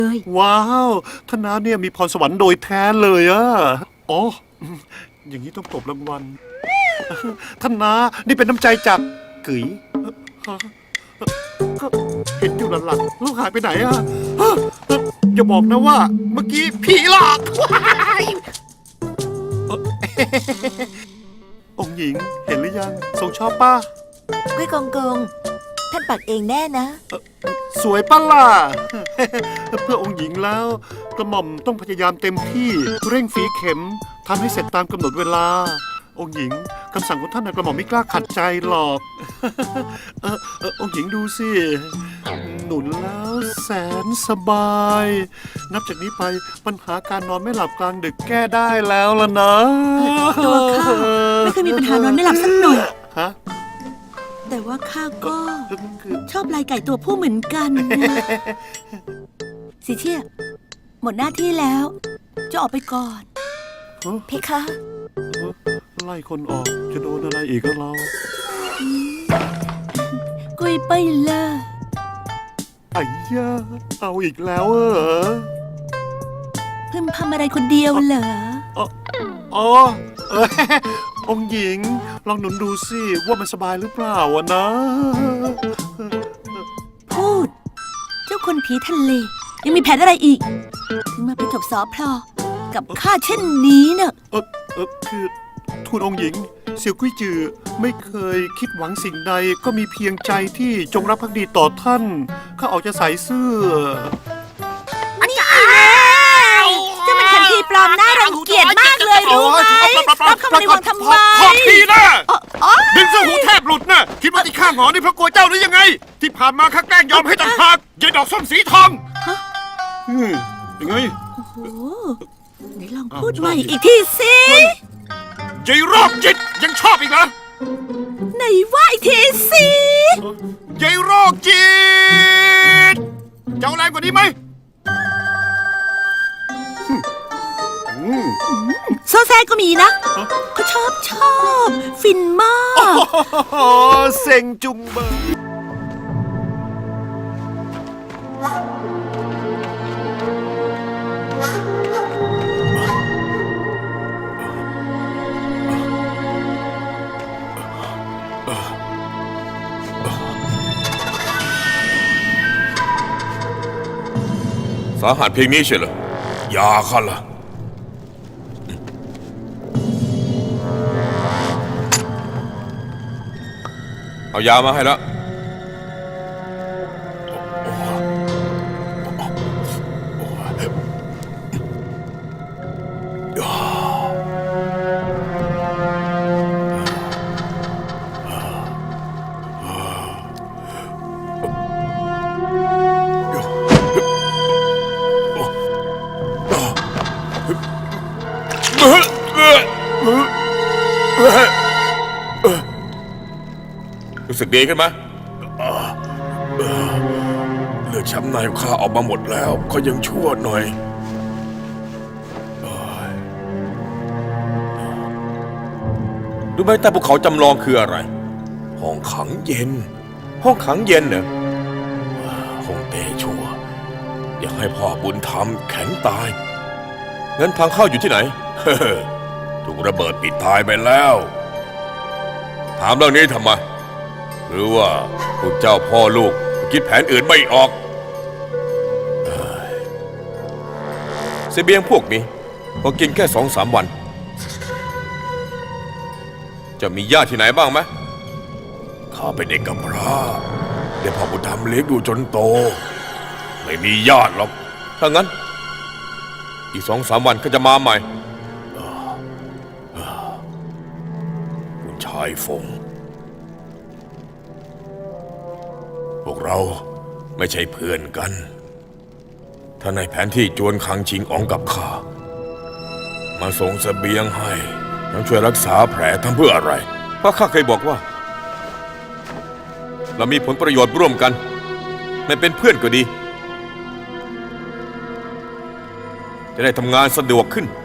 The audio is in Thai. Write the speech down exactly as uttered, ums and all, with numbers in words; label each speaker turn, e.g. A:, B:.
A: ว้าวท่านน้าเนี่ยมีพรสวรรค์โดยแท้เลยอะอ๋ออย่างนี้ต้องตบรางวัลท่านน้านี่เป็นน้ำใจจากกึ๋ยก็เห็นอยู่หลังๆแล้วหายไปไหนอะอย่าบอกนะว่าเมื่อกี้ผีหลอกองค์หญิงเห็นหรือยังทรงชอบป้า
B: กุ้ยกงกงท่านปักเองแน่นะ
A: สวยป้าล่ะเพื่อองค์หญิงแล้วกระหม่อมต้องพยายามเต็มที่เร่งฝีเข็มทำให้เสร็จตามกำหนดเวลาองค์หญิงคำสั่งของท่านกระหม่อมไม่กล้าขัดใจหรอกเออเออองค์หญิงดูสิหนุนแล้วแสนสบายนับจากนี้ไปปัญหาการนอนไม่หลับกลางดึกแก้ได้แล้วล่ะนะ
B: ตัวข้าไม่เคยมีปัญหานอนไม่หลับสักหน่อย
A: ฮะ
B: แต่ว่าข้าก็ชอบลายไก่ตัวผู้เหมือนกันสิเชี่ยหมดหน้าที่แล้วจะออกไปก่อนเพคะ
A: ไล่คนออกจะโดนอะไรอีกก็เรา
B: กุยไปละ
A: ไอ้ย่าเอาอีกแล้วเออ
B: เพิ่มพำอะไรคนเดียวเหรอ
A: อ๋อเออองค์หญิงลองหนุนดูสิว่ามันสบายหรือเปล่าวะนะ
B: พูดเจ้าคนผีทะเลยังมีแผนอะไรอีกถึงมาไปจบสอพลอกับข้าเช่นนี้เนอะ
A: เออเออคือทูลองค์หญิงเสี่ยวกุ้ยจือไม่เคยคิดหวังสิ่งใดก็มีเพียงใจที่จงรักภักดีต่อท่านข้าออกจะใส่เสื้อ
B: นี่ไงเจ้ามันขันทีปลอมหน้ารังเกียจมากเลยรู้ไหมรับเข้ามาในวังทำไม
A: ขอบทีนะดึงเสื้อหูแทบหลุดนะคิดว่าที่ข้าหงอนี่เพราะกลัวเจ้าหรือยังไงที่ผ่านมาข้าแกล้งยอมให้ต่างหากยายดอกส้มสีทองอืมยังไง
B: โอ้โหไหนลองพูดใหม่อีกทีสิ
A: ยายโรคจิตยังชอบอีกเหรอ
B: ไหนว่าอีกทีสิ
A: ยายโรคจิตจะเอาแรงกว่านี้ไหม
B: โซแซก็มีนะเขาชอบชอบฟินมาก
A: เซ็งจุงเบอร์
C: สาหัสเพียงนี้ใช่เหรอยาข้าล่ะเอายามาให้แล้วรู้สึกดีขึ้นไหมเลือดช้ำในข้าออกมาหมดแล้วก็ยังชั่วหน่อยรู้ไหมใต้ภูเขาจำลองคืออะไรห้องขังเย็นห้องขังเย็นเหรอห้องเตชั่วอยากให้พ่อบุญธรรมแข็งตายงั้นทางเข้าอยู่ที่ไหนถูกระเบิดปิดตายไปแล้วถามเรื่องนี้ทำไมหรือว่าพวกเจ้าพ่อลูกคิดแผนอื่นไม่ออกเสบียงพวกนี้พอกินแค่สองสามวันจะมีญาติที่ไหนบ้างไหมข้าเป็นเด็กกำพร้าเดี๋ยวพ่อบุญธรรมเลี้ยงดูจนโตไม่มีญาติหรอกถ้างั้นอีกสองสามวันก็จะมาใหม่คุณชายฟงพวกเราไม่ใช่เพื่อนกันถ้าในแผนที่จวนคังชิงอ๋องกับข้ามาส่งเสบียงให้ทั้งช่วยรักษาแผลทั้งเพื่ออะไรเพราะข้าเคยบอกว่าเรามีผลประโยชน์ร่วมกันไม่เป็นเพื่อนก็ดีจะได้ทำงานสะดวกขึ้น